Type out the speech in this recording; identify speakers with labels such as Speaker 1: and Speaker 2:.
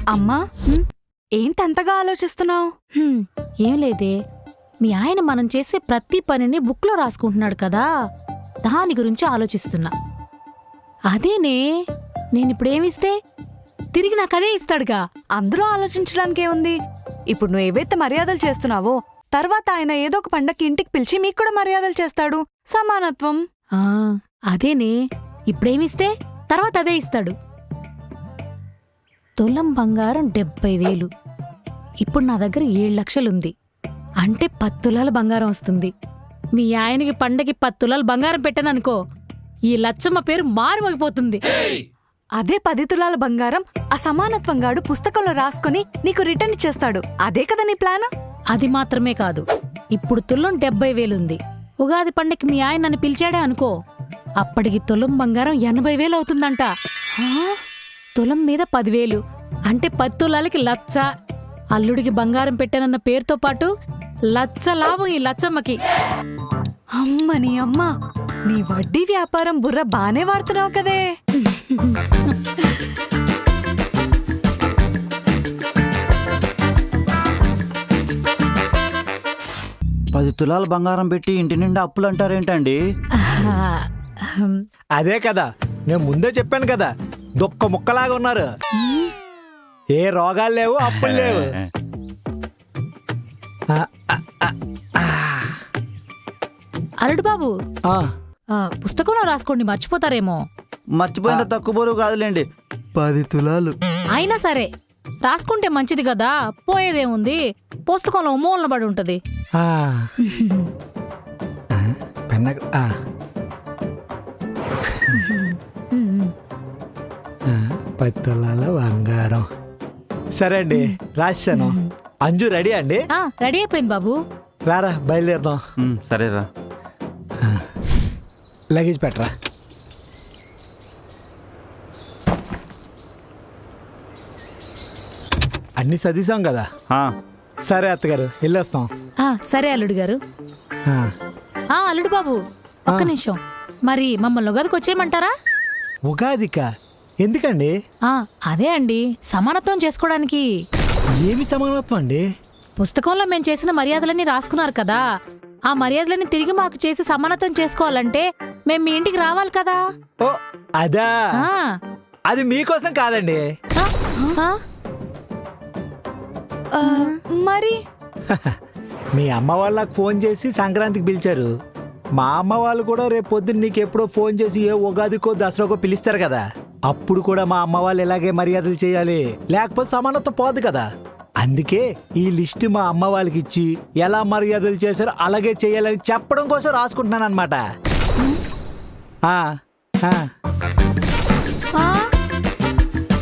Speaker 1: అమ్మా, ఏంటంతగా ఆలోచిస్తున్నావు?
Speaker 2: ఏం లేదే, మీ ఆయన మనం చేసే ప్రతి పనిని బుక్లో రాసుకుంటున్నాడు కదా, దాని గురించి ఆలోచిస్తున్నా. అదేనే, నేనిప్పుడేమిస్తే తిరిగి నాకదే ఇస్తాడుగా.
Speaker 1: అందులో ఆలోచించడానికి ఏముంది? ఇప్పుడు నువ్వు ఏవైతే మర్యాదలు చేస్తున్నావో తర్వాత ఆయన ఏదో ఒక పండక్కి ఇంటికి పిలిచి మీకు కూడా మర్యాదలు చేస్తాడు. సమానత్వం.
Speaker 2: అదేనే, ఇప్పుడేమిస్తే తర్వాత అదే ఇస్తాడు. తులం బంగారం 70,000. ఇప్పుడు నా దగ్గర 7 లక్షలుంది. అంటే 10 తులాల బంగారం వస్తుంది. మీ ఆయనకి పండగకి 10 తులాల బంగారం పెట్టాననుకో, ఈ లచ్చమ్మ పేరు మారుమోగిపోతుంది.
Speaker 1: అదే 10 తులాల బంగారం ఆ సమానత్వంగాడు పుస్తకంలో రాసుకుని నీకు రిటర్న్ ఇచ్చేస్తాడు. అదే కదా నీ ప్లాన్?
Speaker 2: అది మాత్రమే కాదు, ఇప్పుడు తులం 70,000 ఉంది. ఉగాది పండగకి మీ ఆయన నన్ను పిలిచాడే అనుకో, అప్పటికి తులం బంగారం 80,000 అవుతుందంట. తులం మీద 10,000 అంటే 10 తులాలకి లచ్చ. అల్లుడికి బంగారం పెట్టానన్న పేరుతో పాటు లచ్చ లాభం ఈ లచ్చమ్మకి.
Speaker 1: అమ్మని అమ్మ, నీ వడ్డీ వ్యాపారం బుర్ర బానే వాడుతున్నావు కదే.
Speaker 3: పది తులాల బంగారం పెట్టి ఇంటి నిండా అప్పులు అంటారేంటండి?
Speaker 4: అదే కదా, నేను ముందే చెప్పాను కదా, దొక్క ముక్కలాగా ఉన్నారు. ఏ రోగాలు లేవు, అప్పులు లేవు.
Speaker 2: అల్లుడు బాబు,
Speaker 4: ఆ,
Speaker 2: పుస్తకంలో రాసుకోండి, మర్చిపోతారేమో.
Speaker 3: మర్చిపోయిన తక్కువ బరువు కాదులేండి, 10 తులాలు.
Speaker 2: అయినా సరే రాసుకుంటే మంచిది కదా, పోయేదేముంది, పుస్తకంలో మూలన పడి ఉంటది.
Speaker 4: ఆ. పెన్న 10 తులాల బంగారం. సరే అండి, రాశాను. అంజు రెడీ అండి?
Speaker 2: రెడీ అయిపోయింది బాబు.
Speaker 4: రారా, బయలుదేరదాం.
Speaker 3: సరేరా.
Speaker 4: లగేజ్ పెట్టరా. అన్ని సదీసాం కదా. సరే అత్తగారు, వెళ్ళొస్తాం.
Speaker 2: సరే అల్లుడు గారు. అల్లుడు బాబు, ఒక్క నిమిషం, మరి మమ్మల్ని ఉగాదికి వచ్చేయమంటారా?
Speaker 4: ఉగాదికా? ఎందుకండి?
Speaker 2: అదే అండి, సమానత్వం చేసుకోవడానికి.
Speaker 4: ఏమి సమానత్వం అండి?
Speaker 2: పుస్తకంలో మేము చేసిన మర్యాదలన్నీ రాసుకున్నారు కదా, ఆ మర్యాదలన్నీ తిరిగి మాకు చేసి సమానత్వం చేసుకోవాలంటే మేము మీ ఇంటికి రావాలి కదా.
Speaker 4: ఓ అదా, అది మీకోసం కాదండి.
Speaker 1: మరి
Speaker 4: మీ అమ్మ వాళ్ళకి ఫోన్ చేసి సంక్రాంతికి పిలిచారు. మా అమ్మ వాళ్ళు కూడా రేపు పొద్దున్న నీకు ఎప్పుడో ఫోన్ చేసి ఏ ఉగాదికో దసరాకో పిలుస్తారు కదా, అప్పుడు కూడా మా అమ్మ వాళ్ళు ఇలాగే మర్యాదలు చేయాలి, లేకపోతే సమానత్వం పోదు కదా. అందుకే ఈ లిస్ట్ మా అమ్మ వాళ్ళకి ఇచ్చి ఎలా మర్యాదలు చేశారో అలాగే చేయాలని చెప్పడం కోసం రాసుకుంటున్నాను అనమాట.